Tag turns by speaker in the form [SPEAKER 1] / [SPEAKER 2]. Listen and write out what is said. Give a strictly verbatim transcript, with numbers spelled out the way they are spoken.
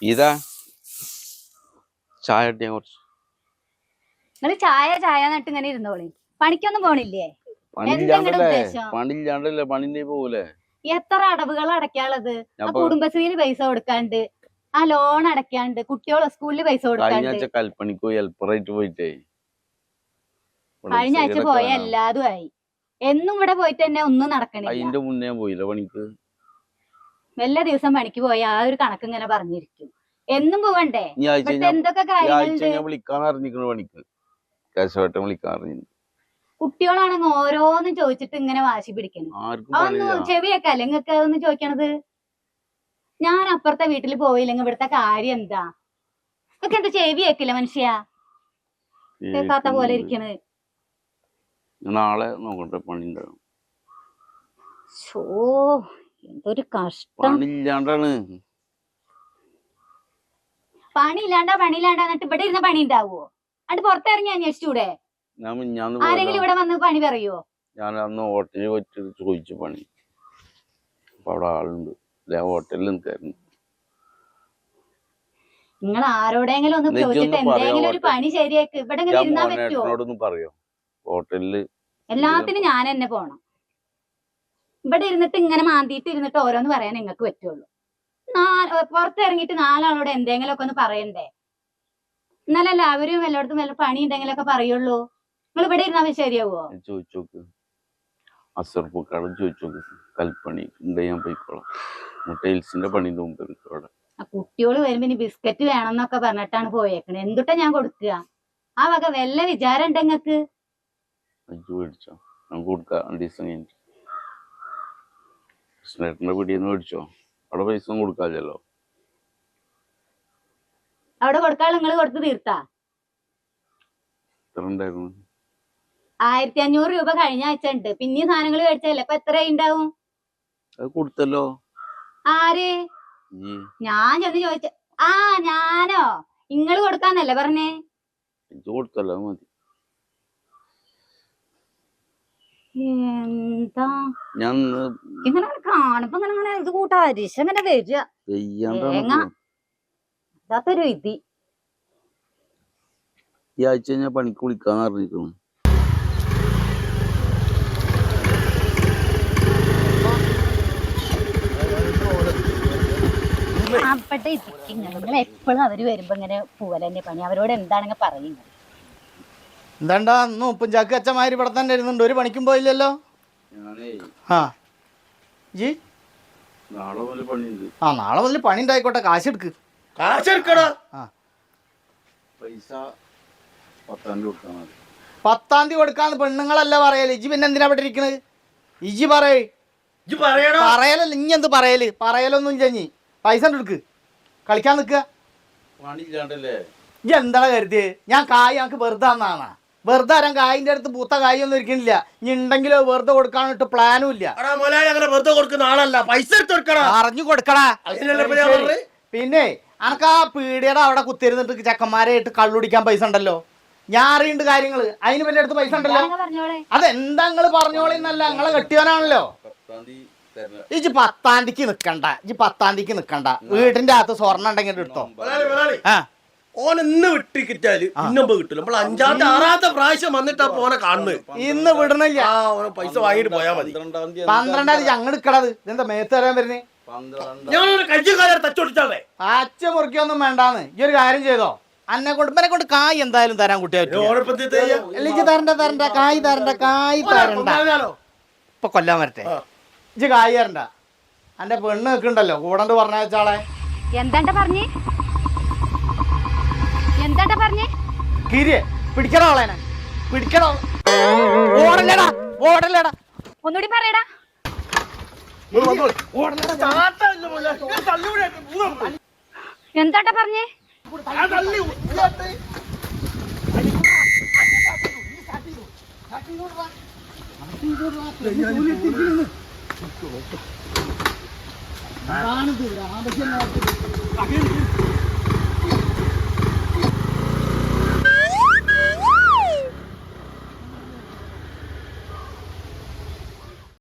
[SPEAKER 1] ഇതാ ചായ കുറച്ച്
[SPEAKER 2] നിങ്ങള് ചായ ചായ നട്ട് ഇങ്ങനെ ഇരുന്നോളി. പണിക്കൊന്നും പോണില്ലേ?
[SPEAKER 1] പണില്ലാണ്ടല്ലേ പണിന്റെ പോകൂലേ?
[SPEAKER 2] എത്ര അടവുകൾ അടയ്ക്കാനുള്ളത്? കുടുംബശ്രീയിൽ പൈസ കൊടുക്കാണ്ട്, ആ ലോൺ അടയ്ക്കാണ്ട്, കുട്ടികളെ സ്കൂളിൽ പൈസ കൊടുക്കാണ്ട്.
[SPEAKER 1] കൽപ്പണിക്ക് ഹെൽപ്പറായിട്ട് പോയിട്ടേ
[SPEAKER 2] കഴിഞ്ഞ ആഴ്ച പോയ എല്ലാതും ആയി. എന്നും ഇവിടെ പോയിട്ട് തന്നെ ഒന്നും നടക്കണില്ല.
[SPEAKER 1] അതിന്റെ മുന്നേ പോയില്ല പണിക്ക്.
[SPEAKER 2] എല്ലാ ദിവസം പണിക്ക് പോയ ആ ഒരു കണക്ക് ഇങ്ങനെ പറഞ്ഞിരിക്കും. എന്നും പോവണ്ടേ? എന്തൊക്കെ കാര്യങ്ങളുണ്ട്.
[SPEAKER 1] പണിക്ക് കേശവട്ടം വിളിക്കാൻ പറഞ്ഞു.
[SPEAKER 2] കുട്ടികളാണെങ്കിൽ ഓരോന്നും ചോദിച്ചിട്ട് ഇങ്ങനെ വാശി പിടിക്കണം. അതൊന്നും ചെവിയൊക്കെ നിങ്ങൾക്ക് അതൊന്നും ചോദിക്കണത്. ഞാൻ അപ്പുറത്തെ വീട്ടിൽ പോയില്ലെങ്കിൽ ഇവിടുത്തെ കാര്യം എന്താ? ഇതൊക്കെ എന്താ ചെവി കേക്കില്ല മനുഷ്യ? കേൾക്കാത്ത പോലെ ഇരിക്കണത്.
[SPEAKER 1] നാളെ നോക്കട്ടെ പണി ഉണ്ടാവും.
[SPEAKER 2] എന്തൊരു കഷ്ടം.
[SPEAKER 1] പണിയില്ലാണ്ടാണ്.
[SPEAKER 2] പണിയില്ലാണ്ടാ പണിയില്ലാണ്ടാ എന്നിട്ട് ഇവിടെ ഇരുന്ന പണി ഉണ്ടാവുമോ? അത് പുറത്തിറങ്ങി അന്വേഷിച്ചൂടെ? ആരെങ്കിലും ഇവിടെ വന്ന് പണി പറയോ?
[SPEAKER 1] ഞാൻ അന്ന് ഹോട്ടലിൽ വെച്ച് ചോദിച്ചു പണി. അപ്പൊ അവിടെ ആളുണ്ട്. ഹോട്ടലിൽ നിൽക്കായിരുന്നു.
[SPEAKER 2] നിങ്ങൾ ആരോടെങ്കിലും ഒന്ന് ചോദിച്ചിട്ട് എന്തെങ്കിലും ഒരു പണി ശരിയാക്ക്. ഇവിടെ ഇരുന്നാ പറ്റുമോ?
[SPEAKER 1] പറയോ ഹോട്ടലില്?
[SPEAKER 2] എല്ലാത്തിനും ഞാൻ തന്നെ പോണം. ഇവിടെ ഇരുന്നിട്ട് ഇങ്ങനെ മാന്തിയിട്ട് ഇരുന്നിട്ട് ഓരോന്ന് പറയാൻ നിങ്ങൾക്ക് പറ്റുള്ളൂ. പുറത്തിറങ്ങിയിട്ട് നാലാളോട് എന്തെങ്കിലും ഒക്കെ ഒന്ന് പറയണ്ടേ? എന്നാലല്ല അവരും എല്ലായിടത്തും വല്ല പണി ഉണ്ടെങ്കിലൊക്കെ പറയുള്ളൂ. നിങ്ങൾ ഇവിടെ ഇരുന്നാ ശരിയാവോ?
[SPEAKER 1] ചോദിച്ചോക്ക് അസർപ്പൂക്കാടും ചോദിച്ചോക്ക്. കൽപ്പണി ഉണ്ട്, ഞാൻ പോയിക്കോളാം. ടൈൽസിന്റെ പണിന്റെ മുമ്പ് അവിടെ
[SPEAKER 2] കുട്ടിയോള് വരുമ്പോ ഇനി ബിസ്ക്കറ്റ് വേണമെന്നൊക്കെ പറഞ്ഞിട്ടാണ് പോയേക്കണേ. എന്തുട്ടാ ഞാൻ കൊടുക്കുക? ആ വക വല്ല വിചാരം ഉണ്ട് നിങ്ങക്ക്?
[SPEAKER 1] മേടിച്ചോ? നമുക്ക് കൊടുക്കാം. രണ്ട് ദിവസം കഴിഞ്ഞിട്ട് കൃഷ്ണേട്ടന്റെ വീടിന്ന് മേടിച്ചോ? അവിടെ പൈസ ഒന്നും കൊടുക്കാമല്ലോ.
[SPEAKER 2] അവിടെ കൊടുക്കാൾ നിങ്ങൾ കൊടുത്ത് തീർത്താ? ആയിരത്തി അഞ്ഞൂറ് രൂപ കഴിഞ്ഞ ആഴ്ച ഉണ്ട്. പിന്നെയും സാധനങ്ങൾ മേടിച്ചല്ലേ? ഇപ്പൊ എത്ര ഉണ്ടാവും?
[SPEAKER 1] കൊടുത്തല്ലോ.
[SPEAKER 2] ആര്? ഞാൻ ചെന്ന് ചോദിച്ച. ആ ഞാനോ? ഇങ്ങള് കൊടുക്കാന്നല്ലേ പറഞ്ഞേ?
[SPEAKER 1] കൊടുത്തല്ലോ. മതി.
[SPEAKER 2] എന്താ ഇങ്ങനെ കാണുമ്പോ ഇങ്ങനെ ഇങ്ങനെ ഇത് കൂട്ടാ അരിശ ഇങ്ങനെ വരിക. അതൊരു ഇതി.
[SPEAKER 1] ഈ ആഴ്ച ഞാൻ പണിക്ക് വിളിക്കാന്ന് പറഞ്ഞിരിക്കുന്നു.
[SPEAKER 2] നിങ്ങൾ എപ്പോഴും അവര് വരുമ്പോ ഇങ്ങനെ പോവലെന്നെ പണി. അവരോട് എന്താണെന്ന് പറയുന്നത്.
[SPEAKER 3] എന്താണ്ടാ ഇന്ന് ഉപ്പുംചാക്ക് അച്ഛന്മാര് ഇവിടെ തന്നെ ഇരുന്നുണ്ട്. ഒരു പണിക്കും പോയില്ലല്ലോ. ആ ജി ആ നാളെ മുതൽ പണി ഉണ്ടായിക്കോട്ടെ. കാശ് എടുക്ക്.
[SPEAKER 4] കാശ് എടുക്കടാ.
[SPEAKER 3] പത്താം തീയതി കൊടുക്കാന്ന് പെണ്ണുങ്ങളല്ല പറയല്. ഇജി പിന്നെ എന്തിനാ ഇവിടെ ഇരിക്കണത്? ഇജി പറയേ. പറയലല്ല ഇനി എന്ത് പറയല്? പറയലൊന്നും ചെഞ്ഞി പൈസ എടുക്ക്. കളിക്കാൻ നിൽക്കുക. ഇജി എന്താണ് കരുതിയത്? ഞാൻ കായ് ഞങ്ങൾക്ക് വെറുതെ തന്നാണ്. വെറുതെ തരാൻ കായിന്റെ അടുത്ത് പൂത്ത കായൊന്നും ഇരിക്കണില്ല. ഇനി ഉണ്ടെങ്കിലോ വെറുതെ കൊടുക്കാനിട്ട് പ്ലാനും ഇല്ല. അറിഞ്ഞു കൊടുക്കടാ. പിന്നെ അനക്ക് ആ പീടിയുടെ അവിടെ കുത്തിരുന്നിട്ട് ചെക്കന്മാരായിട്ട് കള്ളുടിക്കാൻ പൈസ ഉണ്ടല്ലോ. ഞാൻ അറിയുന്നുണ്ട് കാര്യങ്ങള്. അതിന് വലിയ അടുത്ത് പൈസ ഉണ്ടല്ലോ. അതെന്താ നിങ്ങള് പറഞ്ഞോളിന്നല്ല, നിങ്ങളെ കെട്ടിയവനാണല്ലോ. ഇജ് പത്താം തീയതിക്ക് നിക്കണ്ട. ഇജ് പത്താം തീയതിക്ക് നിക്കണ്ട. വീടിന്റെ അകത്ത് സ്വർണ്ണം ഉണ്ടെങ്കിൽ എടുത്തോ.
[SPEAKER 4] ഓൻ ഇന്ന് വിട്ടിക്കിട്ടാല് ഇന്നമ്പോ കിട്ടില്ല. നമ്മൾ അഞ്ചാമത്തെ ആറാമത്തെ പ്രാവശ്യം വന്നിട്ടാ പോനെ കാണുന്നത്.
[SPEAKER 3] ഇന്ന് വിടണില്ല.
[SPEAKER 4] പൈസ വാങ്ങിട്ട് പോയാ മതി.
[SPEAKER 3] പന്ത്രണ്ടാം തീയതി ഞങ്ങൾ എടുക്കണത്. ഇതെന്താ മേത്ത് തരാൻ വരുന്നേ?
[SPEAKER 4] തച്ചോടിച്ചാളേ
[SPEAKER 3] അച്ഛ മുറിക്കൊന്നും വേണ്ടാന്ന്. ഈ ഒരു കാര്യം ചെയ്തോ. അന്നെ കൊണ്ട് ഇവനെ കൊണ്ട് കായ് എന്തായാലും തരാൻ കുട്ടിയെ തരണ്ട തരണ്ട കായ് തരണ്ട കായ് തരണ്ട. ഇപ്പൊ കൊല്ലാൻ വരട്ടെ. ഇജ്ജ് കായ് തരണ്ട. എന്റെ പെണ്ണ് നിൽക്കണ്ടല്ലോ കൂടണ്ട് പറഞ്ഞ വെച്ചാളെ.
[SPEAKER 2] എന്താ പറഞ്ഞേ? എന്താ പറഞ്ഞേ?
[SPEAKER 3] കിരിയെ പിടിക്കണോ അവളേനെ? പിടിക്കണോ? ഓടല്ലേടാ ഓടല്ലേടാ.
[SPEAKER 2] ഒന്നുകൂടി പറയടാ. എന്താ പറഞ്ഞേ?
[SPEAKER 3] ാണ്